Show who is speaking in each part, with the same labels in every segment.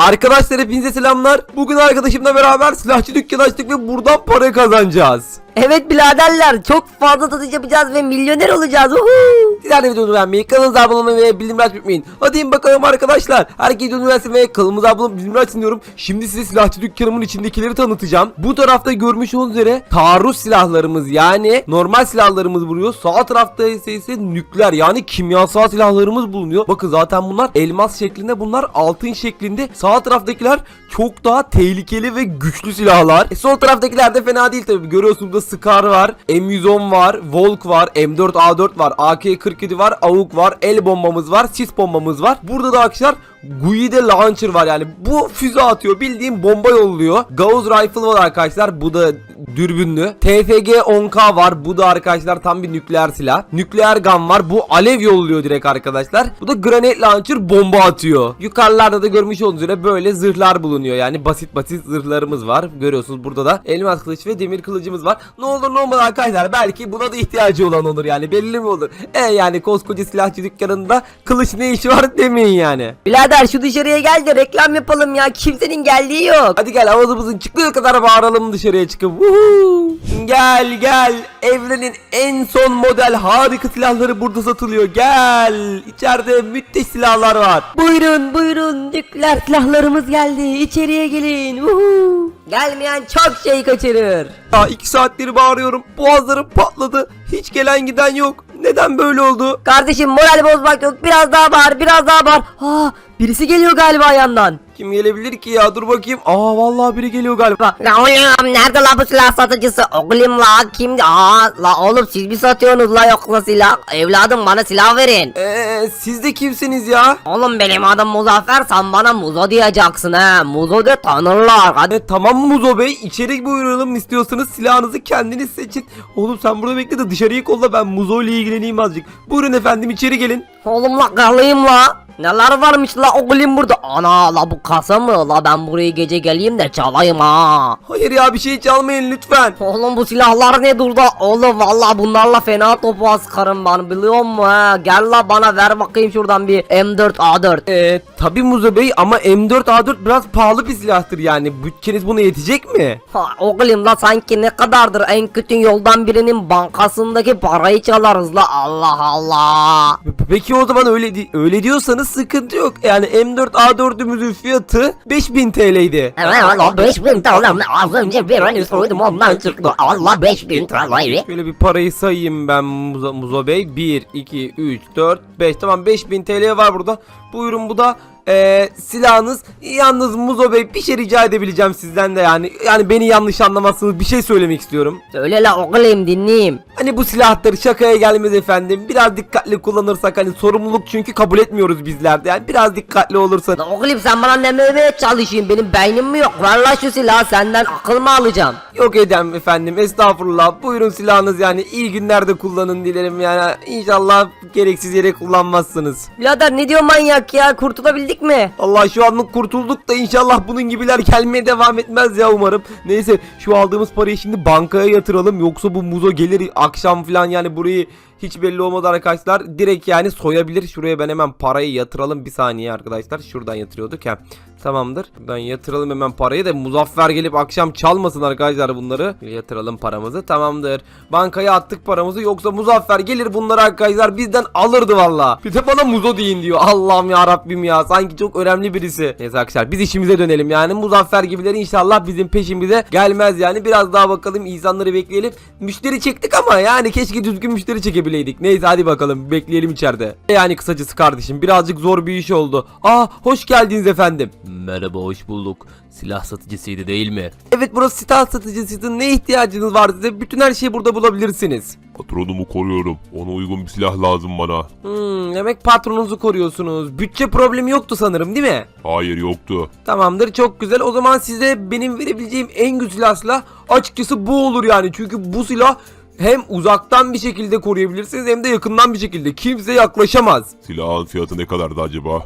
Speaker 1: Arkadaşlar hepinize selamlar. Bugün arkadaşımla beraber silahçı dükkanı açtık ve buradan para kazanacağız.
Speaker 2: Evet biraderler, çok fazla satış yapacağız ve milyoner olacağız.
Speaker 1: Sizler de videomu beğenmeyi, kanalımıza abone olmayı ve bildirimleri açmayı unutmayın. Hadi bakalım arkadaşlar. Herkes videomu beğensin ve kanalımıza abone olup bildirimleri açsın diyorum. Şimdi size silahçı dükkanımın içindekileri tanıtacağım. Bu tarafta görmüş olduğunuz üzere taarruz silahlarımız, yani normal silahlarımız bulunuyor. Sağ tarafta ise nükleer, yani kimyasal silahlarımız bulunuyor. Bakın zaten bunlar elmas şeklinde, bunlar altın şeklinde. Sağ taraftakiler çok daha tehlikeli ve güçlü silahlar. Sol taraftakiler de fena değil tabi. Görüyorsunuz da Scar var, M110 var, Volk var, M4A4 var, AK-47 var, AUK var, el bombamız var, sis bombamız var. Burada da arkadaşlar Guide Launcher var, yani bu füze atıyor, bildiğim bomba yolluyor. Gauss Rifle var arkadaşlar, bu da dürbünlü. TFG 10K var, bu da arkadaşlar tam bir nükleer silah. Nükleer gun var, bu alev yolluyor direkt arkadaşlar. Bu da Grenade Launcher, bomba atıyor. Yukarılarda da görmüş olduğunuz üzere böyle zırhlar bulunuyor, yani basit zırhlarımız var. Görüyorsunuz burada da elmas kılıç ve demir kılıcımız var. Ne olur ne olmaz arkadaşlar, belki buna da ihtiyacı olan olur, yani belli mi olur? Yani koskoca silahçı dükkanında kılıç ne işi var demeyin yani.
Speaker 2: Birader şu dışarıya gel de reklam yapalım ya, kimsenin geldiği yok.
Speaker 1: Hadi gel, avazımızın çıktığı kadar bağıralım dışarıya çıkıp. Gel, evrenin en son model harika silahları burada satılıyor. Gel, içeride müthiş silahlar var.
Speaker 2: Buyurun, nükleer silahlarımız geldi, içeriye gelin. Gelmeyen çok şey kaçırır.
Speaker 1: Ya 2 saattir bağırıyorum, boğazlarım patladı, hiç gelen giden yok. Neden böyle oldu?
Speaker 2: Kardeşim moral bozmak yok, biraz daha bağır. Birisi geliyor galiba yandan.
Speaker 1: Kim gelebilir ki ya, dur bakayım. Vallahi biri geliyor galiba.
Speaker 2: La oğlum, nerede la bu silah satıcısı? Oğlum la kimdi? La oğlum siz mi satıyorsunuz la, yoksa silah? Evladım bana silah verin.
Speaker 1: Siz de kimsiniz ya?
Speaker 2: Oğlum benim adım Muzaffer, sen bana Muzo diyeceksin ha. Muzo de tanırlar. Hadi.
Speaker 1: Tamam Muzo Bey, içeri buyuralım, istiyorsanız silahınızı kendiniz seçin. Oğlum sen burada bekle de dışarıyı kolla, ben Muzo ile ilgileneyim azıcık. Buyurun efendim, içeri gelin.
Speaker 2: Oğlum la karlıyım la. Neler varmış la oğlum burada? Ana la bu kasa mı? La ben buraya gece geleyim de çalayım ha.
Speaker 1: Hayır ya, bir şey çalmayın lütfen.
Speaker 2: Oğlum bu silahlar ne durda? Oğlum vallahi bunlarla fena topu askarım ben, biliyor musun ha? Gel la bana ver bakayım şuradan bir M4A4.
Speaker 1: Tabi Muzo Bey, ama M4A4 biraz pahalı bir silahtır, yani bütçeniz buna yetecek mi?
Speaker 2: Oğlum la sanki ne kadardır, en kötü yoldan birinin bankasındaki parayı çalarız la, Allah Allah.
Speaker 1: Peki o zaman öyle diyorsanız sıkıntı yok. Yani M4A4'ümüzün fiyatı 5000 TL'ydi.
Speaker 2: Evet la 5000 TL, az önce bir an soydum ondan çıktı. Allah 5000 TL.
Speaker 1: Şöyle bir parayı sayayım ben Muzo Bey. 1, 2, 3, 4, 5. Tamam, 5000 TL var burada. Buyurun, bu da silahınız. Yalnız Muzo Bey, bir şey rica edebileceğim sizden de, yani beni yanlış anlamazsınız, bir şey söylemek istiyorum.
Speaker 2: Söyle la oğlum, dinleyeyim.
Speaker 1: Hani bu silahları şakaya gelmez efendim. Biraz dikkatli kullanırsak, hani sorumluluk çünkü kabul etmiyoruz bizler de. Yani biraz dikkatli olursan.
Speaker 2: La oğlum sen bana ne demeye çalışayım, benim beynim mi yok? Ver la şu silahı, senden akıl mı alacağım?
Speaker 1: Yok edem efendim, estağfurullah. Buyurun silahınız, yani iyi günlerde kullanın dilerim, yani inşallah gereksiz yere kullanmazsınız.
Speaker 2: Birader ne diyor manyak ya, kurtulabildik mi?
Speaker 1: Allah, şu anlık kurtulduk da inşallah bunun gibiler gelmeye devam etmez ya, umarım. Neyse, şu aldığımız parayı şimdi bankaya yatıralım, yoksa bu Muzo gelir akşam falan, yani burayı hiç belli olmadı arkadaşlar, direkt yani soyabilir. Şuraya ben hemen parayı yatıralım, bir saniye arkadaşlar, şuradan yatırıyorduk ya. Tamamdır, buradan yatıralım hemen parayı da Muzaffer gelip akşam çalmasın arkadaşlar bunları. Yatıralım paramızı, tamamdır. Bankaya attık paramızı, yoksa Muzaffer gelir bunları arkadaşlar bizden alırdı valla. Bir de bana Muzo deyin diyor, Allah'ım ya Rabbim ya, sanki çok önemli birisi. Neyse arkadaşlar, biz işimize dönelim, yani Muzaffer gibileri inşallah bizim peşimize gelmez, yani biraz daha bakalım, insanları bekleyelim. Müşteri çektik ama yani keşke düzgün müşteri çekebileydik. Neyse hadi bakalım, bekleyelim içeride. Yani kısacası kardeşim, birazcık zor bir iş oldu. Hoş geldiniz efendim.
Speaker 3: Merhaba, hoş bulduk. Silah satıcısıydı değil mi?
Speaker 1: Evet, burası silah satıcısıydı. Ne ihtiyacınız var size? Bütün her şeyi burada bulabilirsiniz.
Speaker 4: Patronumu koruyorum. Ona uygun bir silah lazım bana.
Speaker 1: Demek patronunuzu koruyorsunuz. Bütçe problemi yoktu sanırım, değil mi?
Speaker 4: Hayır, yoktu.
Speaker 1: Tamamdır, çok güzel. O zaman size benim verebileceğim en güzel silah açıkçası bu olur yani. Çünkü bu silah hem uzaktan bir şekilde koruyabilirsiniz, hem de yakından bir şekilde. Kimse yaklaşamaz.
Speaker 4: Silahın fiyatı ne kadardı acaba?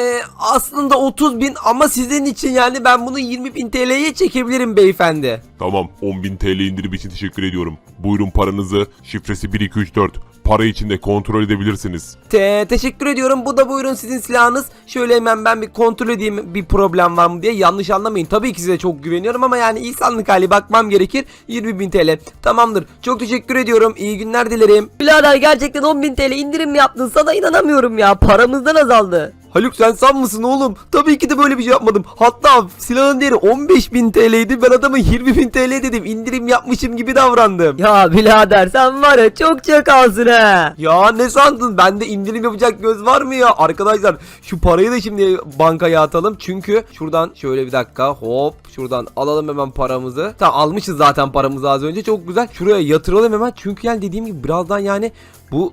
Speaker 1: Aslında 30.000 ama sizin için yani ben bunu 20.000 TL'ye çekebilirim beyefendi.
Speaker 4: Tamam, 10.000 TL indirim için teşekkür ediyorum. Buyurun paranızı. Şifresi 1234. para içinde kontrol edebilirsiniz.
Speaker 1: Teşekkür ediyorum. Bu da buyurun sizin silahınız. Şöyle hemen ben bir kontrol edeyim bir problem var mı diye. Yanlış anlamayın. Tabii ki size çok güveniyorum ama yani insanlık hali bakmam gerekir. 20.000 TL. Tamamdır. Çok teşekkür ediyorum. İyi günler dilerim.
Speaker 2: Birader gerçekten 10.000 TL indirim mi yaptın? Sana inanamıyorum ya. Paramızdan azaldı.
Speaker 1: Haluk sen san mısın oğlum? Tabii ki de böyle bir şey yapmadım. Hatta silahın değeri 15.000 TL'ydi. Ben adama 20.000 TL dedim. İndirim yapmışım gibi davrandım.
Speaker 2: Ya birader sen var ya çok çakalsın he.
Speaker 1: Ya ne sandın? Bende indirim yapacak göz var mı ya? Arkadaşlar şu parayı da şimdi bankaya atalım. Çünkü şuradan şöyle bir dakika hop şuradan alalım hemen paramızı. Tamam almışız zaten paramızı az önce. Çok güzel. Şuraya yatıralım hemen. Çünkü yani dediğim gibi birazdan yani bu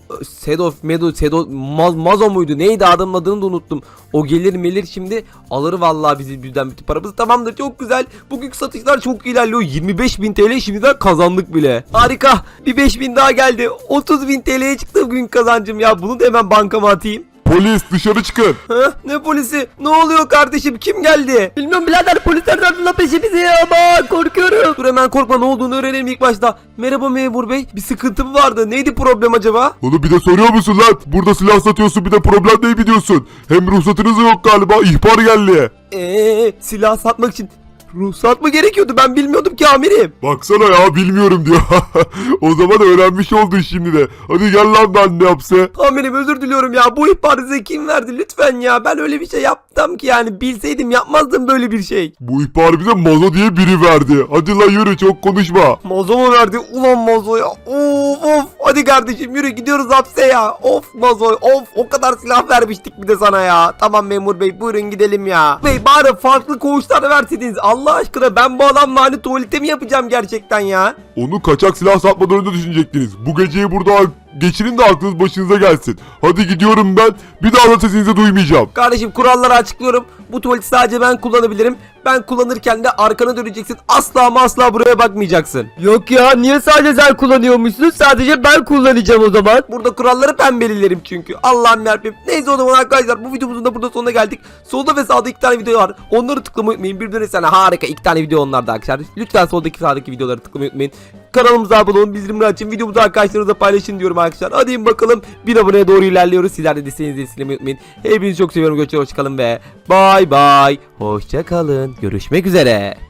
Speaker 1: Mazo muydu? Neydi adamın adını da unuttum. O gelir şimdi alır vallahi bizi birden bütün paramızı. Tamamdır çok güzel. Bugünkü satışlar çok ilerliyor. 25.000 TL şimdiden kazandık bile. Harika. Bir 5.000 daha geldi. 30.000 TL'ye çıktı bugün kazancım ya. Bunu da hemen bankama atayım.
Speaker 4: Polis dışarı çıkın.
Speaker 1: Ha? Ne polisi? Ne oluyor kardeşim? Kim geldi?
Speaker 2: Bilmiyorum birader polisler tarafından peşimize ya ama korkuyorum.
Speaker 1: Dur hemen korkma ne olduğunu öğrenelim ilk başta. Merhaba memur bey. Bir sıkıntı mı vardı? Neydi problem acaba?
Speaker 4: Onu bir de soruyor musun lan? Burada silah satıyorsun bir de problem değil mi diyorsun? Hem ruhsatınız da yok galiba. İhbar geldi.
Speaker 1: Silah satmak için ruhsat mı gerekiyordu? Ben bilmiyordum ki amirim.
Speaker 4: Baksana ya bilmiyorum diyor. O zaman öğrenmiş oldun şimdi de. Hadi gel lan ben ne yapsa.
Speaker 1: Amirim özür diliyorum ya. Bu ihbarı size kim verdi? Lütfen ya. Ben öyle bir şey yaptım ki yani. Bilseydim yapmazdım böyle bir şey.
Speaker 4: Bu ihbarı bize Mazo diye biri verdi. Hadi lan yürü çok konuşma.
Speaker 1: Mazo mu verdi? Ulan Mazo ya. Of. Hadi kardeşim yürü gidiyoruz hapse ya. Of Mazo. Of. O kadar silah vermiştik bir de sana ya. Tamam memur bey buyurun gidelim ya. Bey bari farklı koğuşlar verseydiniz. Allah aşkına ben bu adamla hani tuvalete mi yapacağım gerçekten ya?
Speaker 4: Onu kaçak silah satmadan önce düşünecektiniz. Bu geceyi burada geçirin de aklınız başınıza gelsin. Hadi gidiyorum ben. Bir daha da sesinizi duymayacağım.
Speaker 1: Kardeşim kuralları açıklıyorum. Bu tuvaleti sadece ben kullanabilirim. Ben kullanırken de arkana döneceksin. Asla ama asla buraya bakmayacaksın.
Speaker 2: Yok ya niye sadece sen kullanıyormuşsun? Sadece ben kullanacağım o zaman.
Speaker 1: Burada kuralları ben belirlerim çünkü. Allah'ım yarabbim. Neyse o zaman arkadaşlar bu videomuzun da burada sonuna geldik. Solda ve sağda 2 tane video var. Onları tıklamayı unutmayın. Birbirine sana harika 2 tane video onlarda arkadaşlar. Lütfen soldaki sağdaki videoları tıklamayı unutmayın. Kanalımıza abone olun. Bildirimleri açın. Videomuzu arkadaşlarınızla paylaşın diyorum arkadaşlar. Hadi bakalım. 1000 aboneye doğru ilerliyoruz. Sizler de desteğinizi esirgemeyi unutmayın. Hepinizi çok seviyorum. Hoşçakalın ve bay bay. Hoşçakalın. Görüşmek üzere.